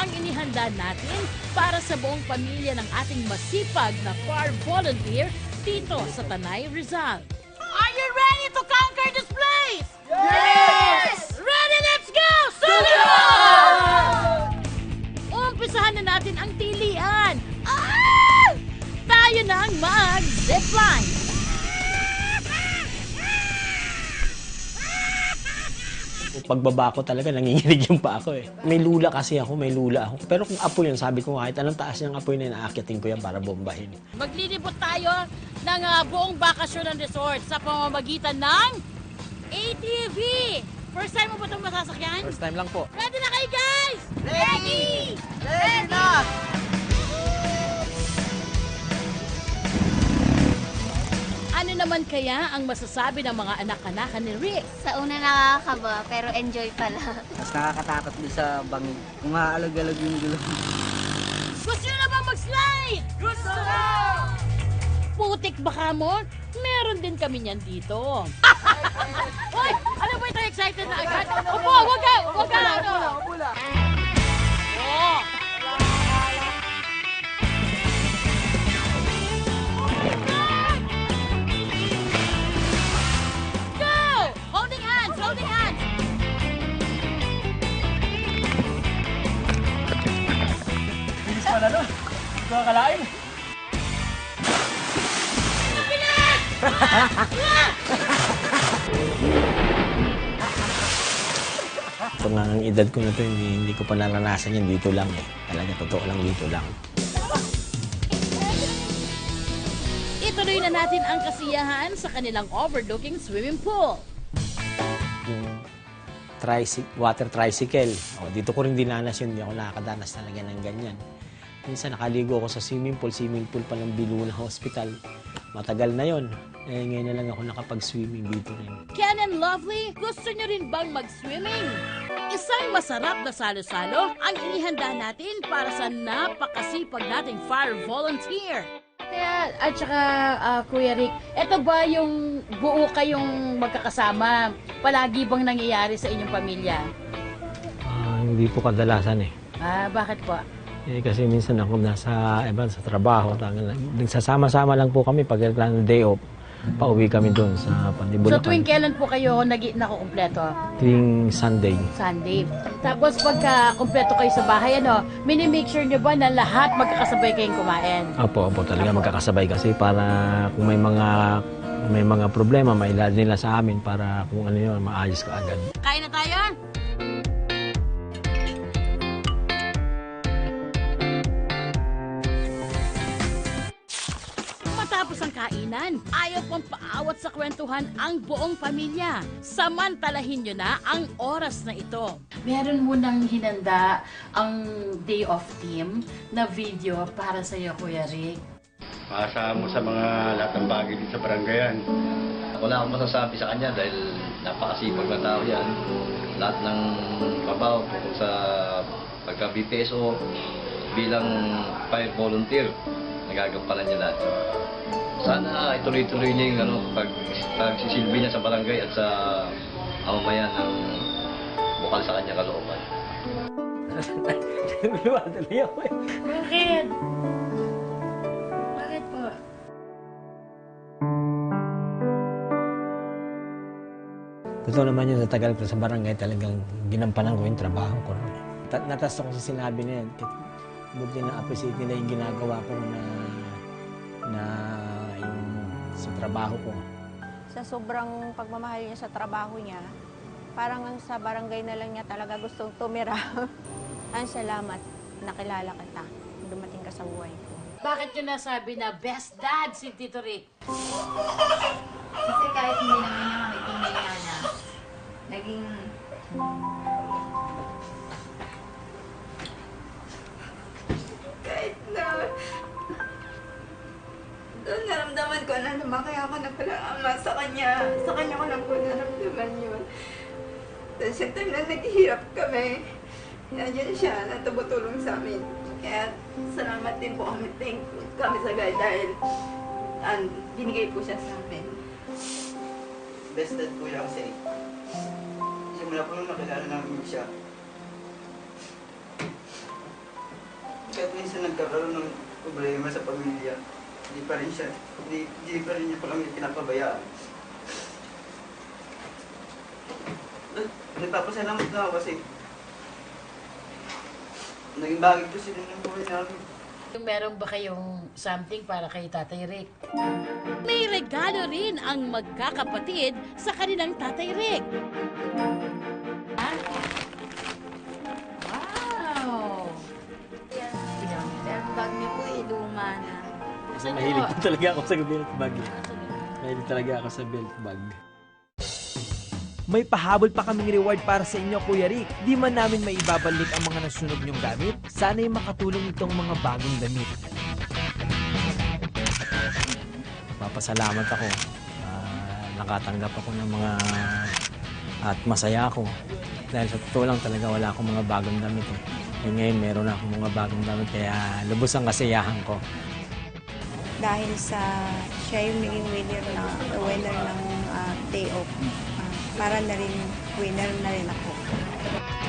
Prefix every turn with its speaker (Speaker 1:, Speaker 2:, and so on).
Speaker 1: ang inihanda natin para sa buong pamilya ng ating masipag na farm volunteer dito sa Tanay, Rizal. Are you ready to conquer this place? Yes! Ready, let's go! Sunod! Umpisahan na natin ang tilian. Ah! Tayo na ang mag-zipline.
Speaker 2: Pagbaba ko talaga, nanginginig yung pa ako eh. May lula kasi ako, may lula ako. Pero kung apoy yun, sabi ko kahit anong taas niyang apoy na yun, aakyatin ko yan para bombahin.
Speaker 1: Maglilibot tayo ng buong bakasyon ng resort sa pamamagitan ng ATV. First time mo ba itong masasakyan?
Speaker 3: First time lang po.
Speaker 1: Ready na kayo, guys? Ready!
Speaker 3: Ready na!
Speaker 1: Ano naman kaya ang masasabi ng mga anak-anak ni Rick?
Speaker 4: Sa una nakakaba, pero enjoy pala.
Speaker 3: Mas nakakatakot din sa bangin. Kung maalag-alag yung gulong.
Speaker 1: Gusto nyo na ba mag-slide? Gusto na! Putik baka mo? Meron din kami niyan dito. Hoy! Ano ba ito? Excited na agad? Opo! Wag ka! Wag ka!
Speaker 3: Upo lang.
Speaker 1: Oh! Go! Holding hands! Holding hands!
Speaker 2: Bilis pala no? Hindi ko akalain. Ito nga ang edad ko na to, hindi ko pa naranasan yan dito lang eh. Talaga totoo lang dito lang.
Speaker 1: Ituloy na natin ang kasiyahan sa kanilang overlooking swimming pool.
Speaker 2: Yung water tricycle, dito ko rin dinanas yun, hindi ako nakakadanas talaga ng ganyan. Minsan nakaligo ako sa swimming pool pa ng Biluna Hospital. Matagal na yon. Eh, ngayon na lang ako nakapag-swimming dito rin.
Speaker 1: Ken and Lovely, gusto nyo rin bang mag-swimming? Isang masarap na salo-salo ang inihanda natin para sa napakasipag nating fire volunteer. Kaya, at saka, Kuya Rick, eto ba yung buo kayong magkakasama? Palagi bang nangyayari sa inyong pamilya?
Speaker 2: Hindi po kadalasan eh.
Speaker 1: Bakit po?
Speaker 2: Kasi minsan ako sa trabaho. Nagsasama-sama lang po kami pag day off. Pauwi kami doon sa Pandibulacan.
Speaker 1: So tuwing kailan po kayo nakukumpleto?
Speaker 2: Tuwing Sunday.
Speaker 1: Sunday. Tapos pagka kumpleto kayo sa bahay, mini-make sure nyo ba na lahat magkakasabay kayong kumain?
Speaker 2: Opo, talaga magkakasabay kasi para kung may mga problema, mailad nila sa amin para kung ano yun, maayos ka agad.
Speaker 1: Kain na tayo? Matapos ang kainan, ayaw pang paawat sa kwentuhan ang buong pamilya. Samantalahin nyo na ang oras na ito. Meron mo nang hinanda ang day off team na video para sa iyo, Kuya Rick.
Speaker 5: Maasa mo sa mga lahat ng bagay dito sa barangayan.
Speaker 6: Wala akong masasabi sa kanya dahil napakasipag na tao yan. Lahat ng trabaho tungkol sa pagka-BPSO bilang fire volunteer, nagagampanan niya lahat. Sana ituloy-tuloy niya yung pagsisilbi niya sa barangay at sa mamamayan ng bukal sa kanya kalooban.
Speaker 2: Tuloy ako eh.
Speaker 1: Bakit? Bakit po?
Speaker 2: Totoo naman yun, sa tagal ko sa barangay, talagang ginampanan ko yung trabaho ko. Natas ako sa sinabi na yan. Buti na appreciate nila yung ginagawa ko na yung sa trabaho ko.
Speaker 7: Sa sobrang pagmamahal niya sa trabaho niya, parang ang sa barangay na lang niya talaga gustong tumira. Ang salamat, nakilala kita, dumating ka sa buhay ko.
Speaker 1: Bakit yun nasabi na best dad si Tito Rick?
Speaker 4: Kasi kahit hindi naman niya kami tunay na anak, naging
Speaker 7: Kahit na doon naramdaman ko na lumaki ako na palang ama sa kanya. Sa kanya ko lang po naramdaman yun. Tapos yung time na naghihirap kami, nandiyan siya na tumutulong sa amin. Kaya salamat din po kami, thankful kami sa God dahil binigay po siya sa amin.
Speaker 3: Best dad ko lang kasi. Simula po nung nakilala namin siya. kahit minsan nagkaroon ng problema sa pamilya, hindi pa rin niya pa kami pinapabayaan. Nagpapasalamat na ako kasi naging bagay ko sila ng buhay namin.
Speaker 1: Meron ba kayong something para kay Tatay Rick? May regalo rin ang magkakapatid sa kanilang Tatay Rick.
Speaker 4: Wow!
Speaker 7: Pero bag niyo po, luma na.
Speaker 2: Kasi mahilig po talaga ako sa belt bag. Mahilig talaga ako sa belt bag.
Speaker 8: May pahabol pa kaming reward para sa inyo, Kuya Rick. Di man namin maibabalik ang mga nasunog nyong gamit, sana'y makatulong itong mga bagong damit.
Speaker 2: Papasalamat ako. Nakatanggap ako ng mga at masaya ako. Dahil sa totoo lang talaga wala akong mga bagong damit. Ngayon meron akong mga bagong damit kaya lubos ang kasiyahan ko.
Speaker 9: Dahil sa siya yung naging winner ng day off. Para na rin winner na rin ako.